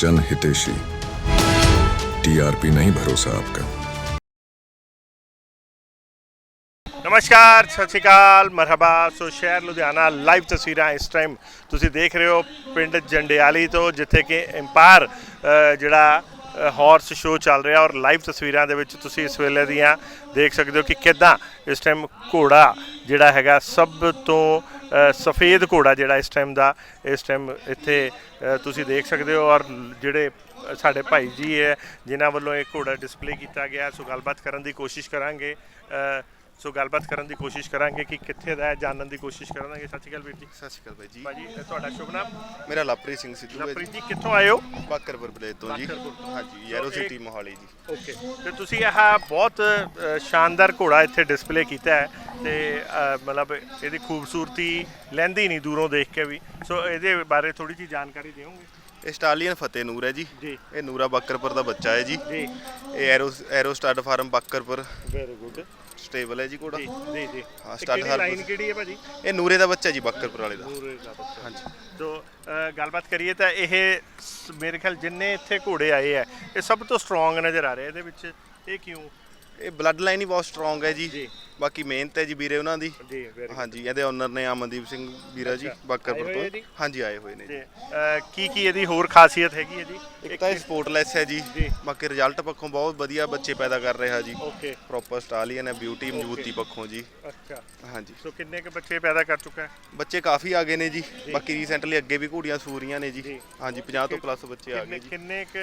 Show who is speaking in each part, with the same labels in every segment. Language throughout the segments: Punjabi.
Speaker 1: जन हितेशी। टीआरपी नहीं भरोसा आपका।
Speaker 2: नमस्कार, सत श्री अकाल, मरहबा। सो शहर लुधियाना लाइव तस्वीर इस टाइम तुसी देख रहे हो पिंड जंडियाली तो, जिथे कि एम्पायर जिहड़ा हॉर्स शो चल रहा और लाइव तस्वीरों के तुसी इस वेले दियां देख सकते हो कि किदां इस टाइम घोड़ा जिहड़ा हैगा सब तो सफ़ेद घोड़ा जिहड़ा इस टाइम इत्थे तुसी देख सकते हो। और जिहड़े साडे भाई जी है जिन्हां वल्लों एक घोड़ा डिस्पले किया गया, सो गलबात करन दी कोशिश करांगे। सो गलबात करन दी कोशिश करांगे कि कित्थे दा है, जानन दी कोशिश करांगे। सत श्री अकाल वीर जी।
Speaker 3: सत श्री अकाल भाई जी।
Speaker 2: भाजी तुहाडा शुभ नाम?
Speaker 3: मेरा लवप्रीत सिंह सिद्धू है
Speaker 2: लवप्रीत
Speaker 3: जी।
Speaker 2: जी कित्थों आए हो?
Speaker 3: बाकरपुर विलेज तो जी। हाँ जी, येरो सिटी मोहाली जी।
Speaker 2: ओके, तो तुसी यह बहुत शानदार घोड़ा इत्थे डिस्पले किया है ते मतलब इहदी खूबसूरती लैंदी नहीं दूरों देख के भी। सो इहदे बारे थोड़ी जी जानकारी देओगे?
Speaker 3: ये स्टालियन फतेह नूर है जी।
Speaker 2: जी।
Speaker 3: ये नूरा बाकरपुर का बच्चा है जी।
Speaker 2: जी।
Speaker 3: ये aero stud farm Bakarpur
Speaker 2: very good.
Speaker 3: Stable है जी घोड़ा।
Speaker 2: जी जी जी।
Speaker 3: हाँ, स्टाड फार्म
Speaker 2: लाइन किहड़ी है भाजी?
Speaker 3: ये नूरे का बच्चा जी बाकरपुर वाले का।
Speaker 2: नूरे दा बच्चा।
Speaker 3: हाँ जी।
Speaker 2: तो गलबात करिए तो यह मेरे ख्याल जिन्ने इत्थे घोड़े आए है ये सब तो स्ट्रोंग नज़र आ रहे हैं। इहदे ये क्यों?
Speaker 3: ये ब्लड लाइन ही बहुत स्ट्रोंग है जी।
Speaker 2: जी।
Speaker 3: बाकी मेहनत है जी वीरे उन्हों की।
Speaker 2: जी वेरी
Speaker 3: हाँ जी, ये ऑनर ने अमनदीप सिंह वीरा जी बाकरपुर
Speaker 2: आए हुए
Speaker 3: तो।
Speaker 2: जी?
Speaker 3: हाँ जी, आए हुए ने जी।
Speaker 2: की ਇਹਦੀ ਹੋਰ ਖਾਸੀਅਤ ਹੈਗੀ ਹੈ ਜੀ?
Speaker 3: एक तो स्पोर्टलैस है जी।
Speaker 2: जी।
Speaker 3: बाकी रिजल्ट पक्षों बहुत वधिया बच्चे पैदा कर रहा है जी।
Speaker 2: ओके।
Speaker 3: प्रॉपर स्टालियन है, ब्यूटी मजबूती पक्षों जी।
Speaker 2: अच्छा।
Speaker 3: हाँ जी।
Speaker 2: सो किन्ने के बच्चे पैदा कर चुका है?
Speaker 3: बच्चे काफ़ी आ गए ने जी। बाकी रीसेंटली अगे भी घोड़ियां सूरियां ने जी।
Speaker 2: जी।
Speaker 3: हाँ जी, 50 तो प्लस बच्चे आ गए जी।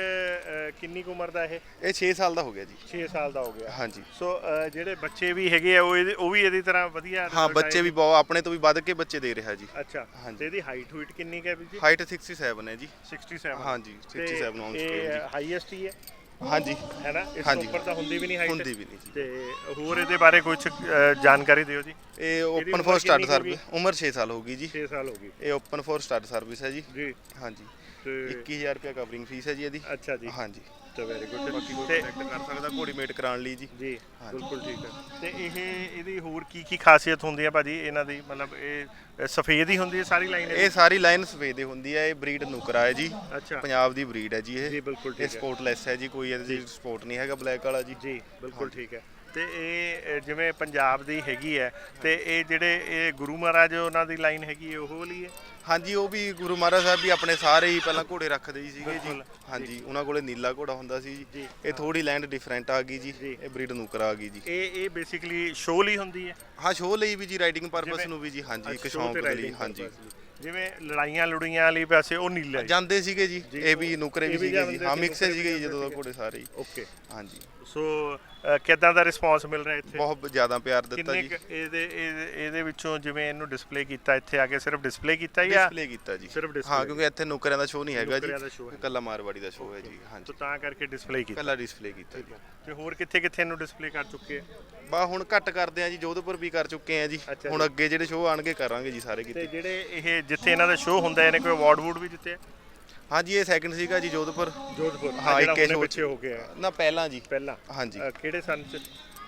Speaker 2: किन्नी कुछ उम्र का है?
Speaker 3: ये 6 साल का हो गया जी।
Speaker 2: 6 साल का हो गया।
Speaker 3: हाँ जी।
Speaker 2: सो ਜਿਹੜੇ ਬੱਚੇ ਵੀ ਹੈਗੇ ਆ ਉਹ ਵੀ ਇਹਦੀ ਤਰ੍ਹਾਂ ਵਧੀਆ
Speaker 3: हाँ,
Speaker 2: result
Speaker 3: बच्चे
Speaker 2: आए
Speaker 3: भी
Speaker 2: ਜੀ?
Speaker 3: बहुत अपने तो भी ਵੱਧ ਕੇ ਬੱਚੇ ਦੇ ਰਿਹਾ ਜੀ।
Speaker 2: ਅੱਛਾ।
Speaker 3: हाँ जी।
Speaker 2: ਤੇ ਇਹਦੀ ਹਾਈਟ ਹੂਟ ਕਿੰਨੀ ਕੁ ਹੈ ਵੀ ਜੀ?
Speaker 3: हाइट 67 है जी।
Speaker 2: 67।
Speaker 3: हाँ जी, 67 ऑन स्केल
Speaker 2: ਇਹ
Speaker 3: जी।
Speaker 2: ਹਾਈਐਸਟ ਹੀ ਹੈ
Speaker 3: हाँ जी।
Speaker 2: ਹੈ ਨਾ? ਇਸ
Speaker 3: हाँ
Speaker 2: ਤੋਂ
Speaker 3: जी।
Speaker 2: ਉੱਪਰ ਤਾਂ ਹੁੰਦੀ ਵੀ ਨਹੀਂ ਹਾਈਟ।
Speaker 3: ਹੁੰਦੀ ਵੀ ਨਹੀਂ ਜੀ।
Speaker 2: ਤੇ ਹੋਰ ਇਹਦੇ ਬਾਰੇ ਕੁਝ ਜਾਣਕਾਰੀ ਦਿਓ ਜੀ।
Speaker 3: ये
Speaker 2: ਇਹਦੀ
Speaker 3: ओपन
Speaker 2: ਉਮਰ
Speaker 3: फॉर स्टार्ट
Speaker 2: ਕਿੰਨੀ ਕੁ
Speaker 3: सर्विस उम्र 6 साल होगी जी।
Speaker 2: 6 ਸਾਲ ਹੋ ਗਈ
Speaker 3: ये ओपन फॉर स्टार्ट सर्विस है जी।
Speaker 2: ਜੀ।
Speaker 3: हाँ जी।
Speaker 2: ਤੇ
Speaker 3: 21000 रुपया कवरिंग फीस है जी ਇਹਦੀ।
Speaker 2: ਅੱਛਾ ਜੀ।
Speaker 3: हाँ जी।
Speaker 2: ਤਾਂ ਵੈਰੀ ਗੁੱਡ।
Speaker 3: ਬਾਕੀ ਕੋਈ
Speaker 2: ਤੇ
Speaker 3: ਕੰਟੈਕਟ ਕਰ ਸਕਦਾ ਘੋੜੀ ਮੇਟ ਕਰਾਉਣ ਲਈ ਜੀ।
Speaker 2: ਜੀ
Speaker 3: ਹਾਂਜੀ।
Speaker 2: ਬਿਲਕੁਲ ਠੀਕ ਹੈ। ਤੇ ਇਹਦੀ ਹੋਰ ਕੀ ਖਾਸੀਅਤ ਹੁੰਦੀ ਹੈ ਭਾਜੀ ਇਹਨਾਂ ਦੀ? ਮਤਲਬ ਇਹ ਸਫੇਦ ਹੀ ਹੁੰਦੀ ਹੈ ਸਾਰੀ ਲਾਈਨ?
Speaker 3: ਇਹ ਸਾਰੀ ਲਾਈਨ ਸਫੇਦ ਹੁੰਦੀ ਹੈ। ਇਹ ਬਰੀਡ ਨੁਕਰਾ ਹੈ ਜੀ।
Speaker 2: ਅੱਛਾ
Speaker 3: ਪੰਜਾਬ ਦੀ ਬਰੀਡ ਹੈ ਜੀ ਇਹ।
Speaker 2: ਜੀ ਬਿਲਕੁਲ
Speaker 3: ਇਹ
Speaker 2: ਠੀਕ ਹੈ।
Speaker 3: ਸਪੋਰਟਲੈਸ ਹੈ ਜੀ, ਕੋਈ ਇਹਦੇ ਸਪੋਰਟ ਨਹੀਂ ਹੈਗਾ ਬਲੈਕ ਵਾਲਾ ਜੀ।
Speaker 2: ਜੀ ਬਿਲਕੁਲ ਠੀਕ ਹੈ। ਤੇ ਇਹ ਜਿਵੇਂ ਪੰਜਾਬ ਦੀ ਹੈਗੀ ਹੈ ਤੇ ਇਹ ਜਿਹੜੇ ਇਹ ਗੁਰੂ ਮਹਾਰਾਜ ਉਹਨਾਂ ਦੀ ਲਾਈਨ ਹੈਗੀ ਹੈ ਉਹ ਵਾਲੀ ਹੈ?
Speaker 3: ਹਾਂਜੀ, ਉਹ ਵੀ ਗੁਰੂ ਮਹਾਰਾਜ ਸਾਹਿਬ ਵੀ ਆਪਣੇ ਸਾਰੇ ਹੀ ਪਹਿਲਾਂ ਘੋੜੇ ਰੱਖਦੇ ਹੀ ਸੀਗੇ ਜੀ।
Speaker 2: ਬਿਲਕੁਲ।
Speaker 3: ਹਾਂਜੀ, ਉਹਨਾਂ ਕੋਲੇ ਨੀਲਾ ਘੋੜਾ ਹੁੰਦਾ ਸੀ
Speaker 2: ਜੀ।
Speaker 3: ਜੀ। ਇਹ ਥੋੜੀ ਲੈਂਡ ਡਿਫਰੈਂਟ ਆ ਗਈ ਜੀ।
Speaker 2: ਜੀ।
Speaker 3: ਇਹ ਬਰੀਡ ਨੁਕਰਾ ਆ ਗਈ ਜੀ।
Speaker 2: ਇਹ ਬੇਸਿਕਲੀ ਸ਼ੋਅ ਲਈ ਹੁੰਦੀ ਹੈ?
Speaker 3: ਹਾਂ, ਸ਼ੋਅ ਲਈ ਵੀ ਜੀ, ਰਾਈਡਿੰਗ ਪਰਪਸ
Speaker 2: ਜਿਵੇਂ-
Speaker 3: ਨੂੰ ਵੀ ਜੀ। ਹਾਂਜੀ, ਇੱਕ
Speaker 2: show
Speaker 3: ਸ਼ੌਂਕ
Speaker 2: ਤੇ
Speaker 3: ਲਈ।
Speaker 2: riding
Speaker 3: ਹਾਂਜੀ,
Speaker 2: purpose ਲਈ। ਜਿਵੇਂ ਲੜਾਈਆਂ ਲੁੜੀਆਂ ਵਾਲੀ ਵੈਸੇ ਉਹ ਨੀਲਾ ਹੈ।
Speaker 3: ਜਾਂਦੇ ਸੀਗੇ ਜੀ।
Speaker 2: ਜੀ।
Speaker 3: ਇਹ ਵੀ ਨੁਕਰੇ
Speaker 2: ਇਹ
Speaker 3: ਵੀ
Speaker 2: ਵੀ
Speaker 3: ਸੀਗੇ
Speaker 2: ਜਾਂਦੇ
Speaker 3: ਜੀ। ਹਾਂ,
Speaker 2: ਸੀ,
Speaker 3: ਮਿਕਸ
Speaker 2: ਨੁਕਰੇ
Speaker 3: ਸੀਗੇ
Speaker 2: ਵੀ
Speaker 3: ਜੀ ਜਦੋਂ ਦਾ
Speaker 2: ਜਾਂਦੇ
Speaker 3: ਘੋੜੇ ਸਾਰੇ ਹੀ।
Speaker 2: ਓਕੇ।
Speaker 3: ਹਾਂਜੀ,
Speaker 2: ਸੋ ਕਿੱਦਾਂ ਦਾ ਰਿਸਪੌਂਸ ਮਿਲ ਰਿਹਾ ਇੱਥੇ?
Speaker 3: ਬਹੁਤ ਜ਼ਿਆਦਾ ਪਿਆਰ ਦਿੱਤਾ
Speaker 2: ਕਿੰਨੇ
Speaker 3: ਜੀ।
Speaker 2: ਕੁ ਇਹਦੇ ਵਿੱਚੋਂ ਜਿਵੇਂ ਇਹਨੂੰ ਡਿਸਪਲੇ ਕੀਤਾ ਇੱਥੇ ਆ ਕੇ ਸਿਰਫ ਡਿਸਪਲੇ ਕੀਤਾ ਜਾਂ
Speaker 3: ਡਿਸਪਲੇ ਕੀਤਾ ਜੀ।
Speaker 2: ਸਿਰਫ display?
Speaker 3: ਹਾਂ, ਕਿਉਂਕਿ ਇੱਥੇ ਨੁਕਰਿਆਂ ਦਾ ਸ਼ੋਅ ਨਹੀਂ ਹੈਗਾ
Speaker 2: ਨੁਕਰਿਆਂ ਦਾ show
Speaker 3: ਜੀ।
Speaker 2: ਹੈ।
Speaker 3: ਇਕੱਲਾ ਮਾਰਵਾੜੀ ਦਾ ਸ਼ੋਅ ਹੈ ਜੀ। ਹਾਂਜੀ,
Speaker 2: ਤੋ ਤਾਂ ਕਰਕੇ ਡਿਸਪਲੇ ਕੀਤਾ?
Speaker 3: ਇਕੱਲਾ ਡਿਸਪਲੇ ਕੀਤਾ ਜੀ।
Speaker 2: ਤੇ ਹੋਰ ਕਿੱਥੇ ਕਿੱਥੇ ਇਹਨੂੰ ਡਿਸਪਲੇ ਕਰ ਚੁੱਕੇ ਆ?
Speaker 3: ਬਾ ਹੁਣ ਘੱਟ ਕਰਦੇ ਆ ਜੀ, ਜੋਧਪੁਰ ਵੀ ਕਰ ਚੁੱਕੇ ਆ ਜੀ।
Speaker 2: ਅੱਛਾ
Speaker 3: ਹੁਣ
Speaker 2: ਜੀ।
Speaker 3: ਅੱਗੇ ਜਿਹੜੇ ਸ਼ੋਅ ਆਣਗੇ ਕਰਾਂਗੇ ਜੀ ਸਾਰੇ
Speaker 2: ਤੇ
Speaker 3: ਕਿਤੇ।
Speaker 2: ਜਿਹੜੇ ਇਹ ਜਿੱਥੇ ਇਹਨਾਂ ਦਾ ਸ਼ੋਅ ਹੁੰਦਾ ਇਹਨੇ ਕੋਈ ਅਵਾਰਡ ਵੂਡ ਵੀ ਜਿੱਤੇ?
Speaker 3: ਹਾਂਜੀ, ਇਹ ਸੈਕਿੰਡ ਸੀਗਾ ਜੀ ਜੋਧਪੁਰ।
Speaker 2: ਜੋਧਪੁਰ?
Speaker 3: ਹਾਂ,
Speaker 2: ਜਿਹੜਾ
Speaker 3: ਇੱਕੇ
Speaker 2: ਹੁਣੇ
Speaker 3: show
Speaker 2: ਪਿੱਛੇ ਹੋ ਗਿਆ
Speaker 3: ਨਾ ਪਹਿਲਾਂ ਜੀ।
Speaker 2: ਪਹਿਲਾਂ?
Speaker 3: ਹਾਂਜੀ।
Speaker 2: ਕਿਹੜੇ ਸਨ ਚ?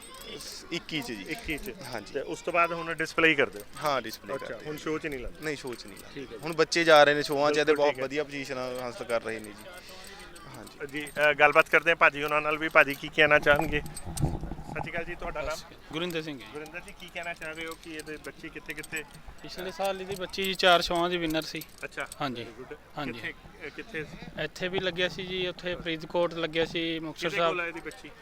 Speaker 3: 21 ਚ ਜੀ।
Speaker 2: 21 ਚ?
Speaker 3: ਹਾਂਜੀ।
Speaker 2: ਤੇ ਉਸ ਤੋਂ ਬਾਅਦ ਹੁਣ ਡਿਸਪਲੇ ਹੀ ਕਰਦੇ ਹੋ?
Speaker 3: ਹਾਂ, ਡਿਸਪਲੇ
Speaker 2: ਅੱਛਾ,
Speaker 3: ਕਰਦੇ
Speaker 2: ਹੁਣ ਸ਼ੋਅ ਚ ਨਹੀਂ ਲਾਉਂਦੇ?
Speaker 3: ਨਹੀਂ, ਸ਼ੋਅ ਚ ਨਹੀਂ
Speaker 2: ਠੀਕ ਹੈ
Speaker 3: ਲਾਉਂਦੇ।
Speaker 2: ਜੀ।
Speaker 3: ਹੁਣ ਬੱਚੇ ਜਾ ਰਹੇ ਨੇ ਸ਼ੋਆਂ 'ਚ ਤੇ
Speaker 2: ਬਿਲਕੁਲ
Speaker 3: ਬਹੁਤ
Speaker 2: ਠੀਕ ਹੈ।
Speaker 3: ਵਧੀਆ ਪੋਜੀਸ਼ਨ ਹਾਸਲ ਕਰ ਰਹੇ ਨੇ ਜੀ। ਹਾਂਜੀ।
Speaker 2: ਜੀ ਗੱਲਬਾਤ ਕਰਦੇ ਹਾਂ ਭਾਜੀ ਉਹਨਾਂ ਨਾਲ ਵੀ। ਭਾਜੀ ਕੀ ਕਹਿਣਾ ਚਾਹਣਗੇ? ਸਤਿ ਸ਼੍ਰੀ ਅਕਾਲ ਜੀ, ਤੁਹਾਡਾ ਨਾਮ?
Speaker 4: ਗੁਰਿੰਦਰ ਸਿੰਘ ਜੀ।
Speaker 2: ਗੁਰਿੰਦਰ ਜੀ, ਕੀ ਕਹਿਣਾ ਚਾਹ ਰਹੇ ਹੋ ਕਿ ਇਹਦੇ ਬੱਚੇ ਕਿੱਥੇ ਕਿੱਥੇ?
Speaker 4: ਪਿਛਲੇ ਸਾਲ ਇਹਦੀ ਬੱਚੀ ਜੀ 4 ਸ਼ੋਆਂ ਦੀ ਵਿਨਰ ਸੀ।
Speaker 2: ਅੱਛਾ।
Speaker 4: ਹਾਂਜੀ।
Speaker 2: Very good।
Speaker 4: ਹਾਂਜੀ।
Speaker 2: ਕਿੱਥੇ
Speaker 4: ਇੱਥੇ ਵੀ ਲੱਗਿਆ ਸੀ ਜੀ, ਉੱਥੇ ਫਰੀਦਕੋਟ ਲੱਗਿਆ ਸੀ, ਮੁਕਤਸਰ
Speaker 2: ਕਿਹਦੇ ਕੋਲ
Speaker 4: ਸਾਹਿਬ।
Speaker 2: ਹੈ ਇਹਦੀ ਬੱਚੀ?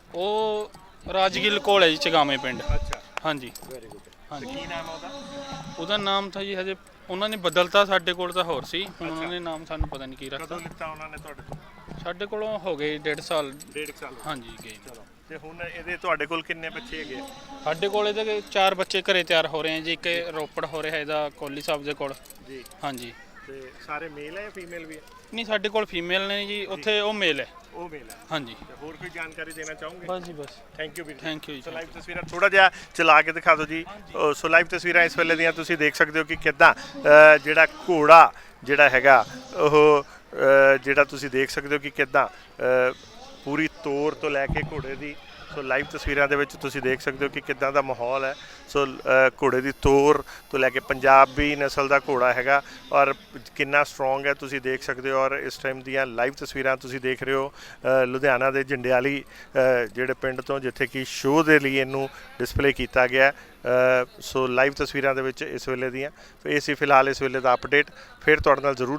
Speaker 4: ਉਹ ਰਾਜਗਿੱਲ ਕੋਲ ਹੈ ਜੀ, ਚਗਾਵੇਂ ਪਿੰਡ।
Speaker 2: ਅੱਛਾ,
Speaker 4: ਹਾਂਜੀ।
Speaker 2: Very good.
Speaker 4: ਹਾਂਜੀ।
Speaker 2: ਕੀ ਨਾਮ ਹੈ ਉਹਦਾ?
Speaker 4: ਉਹਦਾ ਨਾਮ ਤਾਂ ਜੀ ਹਜੇ ਉਹਨਾਂ ਨੇ ਬਦਲਤਾ, ਸਾਡੇ ਕੋਲ ਤਾਂ ਹੋਰ ਸੀ। ਹੁਣ
Speaker 2: ਅੱਛਾ।
Speaker 4: ਉਹਨਾਂ ਨੇ ਨਾਮ ਸਾਨੂੰ ਪਤਾ ਨਹੀਂ ਕੀ ਰੱਖਤਾ।
Speaker 2: ਕਦੋਂ ਲਿੱਤਾ ਉਹਨਾਂ ਨੇ ਤੁਹਾਡੇ ਤੋਂ?
Speaker 4: ਸਾਡੇ ਕੋਲੋਂ ਹੋ ਗਏ 1.5 ਸਾਲ।
Speaker 2: 1.5 ਸਾਲ ਹੋ ਗਏ।
Speaker 4: ਹਾਂਜੀ, ਗਏ।
Speaker 2: ਚਲੋ, ਤੇ ਹੁਣ ਇਹਦੇ ਤੁਹਾਡੇ ਕੋਲ ਕਿੰਨੇ ਬੱਚੇ ਹੈਗੇ ਆ?
Speaker 4: ਸਾਡੇ ਕੋਲ ਇਹਦੇ 4 ਬੱਚੇ ਘਰੇ ਤਿਆਰ ਹੋ ਰਹੇ ਆ ਜੀ। ਇੱਕ ਰੋਪੜ ਹੋ ਰਿਹਾ ਇਹਦਾ ਕੋਹਲੀ ਸਾਹਿਬ ਦੇ ਕੋਲ।
Speaker 2: ਜੀ।
Speaker 4: ਹਾਂਜੀ।
Speaker 2: ਤੇ ਸਾਰੇ ਮੇਲ ਹੈ ਫੀਮੇਲ ਵੀ ਹੈ?
Speaker 4: ਨਹੀਂ, ਸਾਡੇ ਕੋਲ ਫੀਮੇਲ ਨੇ ਜੀ, ਉੱਥੇ ਉਹ ਮੇਲ ਹੈ।
Speaker 2: ਉਹ ਮੇਲ ਹੈ।
Speaker 4: ਹਾਂਜੀ।
Speaker 2: ਤੇ ਹੋਰ ਕੋਈ ਜਾਣਕਾਰੀ ਦੇਣਾ ਚਾਹੋਗੇ?
Speaker 4: ਬਸ ਜੀ, ਬਸ।
Speaker 2: ਥੈਂਕ ਯੂ ਵੀਰ ਜੀ।
Speaker 4: ਥੈਂਕ ਯੂ ਜੀ।
Speaker 2: ਸੋ ਲਾਈਵ ਤਸਵੀਰਾਂ ਥੋੜਾ ਜਿਹਾ ਚਲਾ ਕੇ ਦਿਖਾ ਦਿਓ ਜੀ। ਸੋ ਲਾਈਵ ਤਸਵੀਰਾਂ ਇਸ ਵੇਲੇ ਦੀਆਂ ਤੁਸੀਂ ਦੇਖ ਸਕਦੇ ਹੋ ਕਿ ਕਿੱਦਾਂ ਜਿਹੜਾ ਘੋੜਾ ਜਿਹੜਾ ਹੈਗਾ ਉਹ ਜਿਹੜਾ ਤੁਸੀਂ ਦੇਖ ਸਕਦੇ ਹੋ ਕਿ ਕਿੱਦਾਂ ਪੂਰੀ ਤੋਰ ਤੋਂ ਲੈ ਕੇ ਘੋੜੇ ਦੀ ਸੋ ਲਾਈਵ ਤਸਵੀਰਾਂ ਦੇ ਵਿੱਚ ਤੁਸੀਂ ਦੇਖ ਸਕਦੇ ਹੋ ਕਿ ਕਿੱਦਾਂ ਦਾ ਮਾਹੌਲ ਹੈ। ਸੋ ਘੋੜੇ ਦੀ ਤੋਰ ਤੋਂ ਲੈ ਕੇ ਪੰਜਾਬੀ ਨਸਲ ਦਾ ਘੋੜਾ ਹੈਗਾ ਔਰ ਕਿੰਨਾ ਸਟਰੋਂਗ ਹੈ ਤੁਸੀਂ ਦੇਖ ਸਕਦੇ ਹੋ। ਔਰ ਇਸ ਟਾਈਮ ਦੀਆਂ ਲਾਈਵ ਤਸਵੀਰਾਂ ਤੁਸੀਂ ਦੇਖ ਰਹੇ ਹੋ ਲੁਧਿਆਣਾ ਦੇ ਜੰਡਿਆਲੀ ਜਿਹੜੇ ਪਿੰਡ ਤੋਂ, ਜਿੱਥੇ ਕਿ ਸ਼ੋਅ ਦੇ ਲਈ ਇਹਨੂੰ ਡਿਸਪਲੇ ਕੀਤਾ ਗਿਆ। ਸੋ ਲਾਈਵ ਤਸਵੀਰਾਂ ਦੇ ਵਿੱਚ ਇਸ ਵੇਲੇ ਦੀਆਂ ਇਹ ਸੀ ਫਿਲਹਾਲ ਇਸ ਵੇਲੇ ਦਾ ਅਪਡੇਟ। ਫਿਰ ਤੁਹਾਡੇ ਨਾਲ ਜ਼ਰੂਰ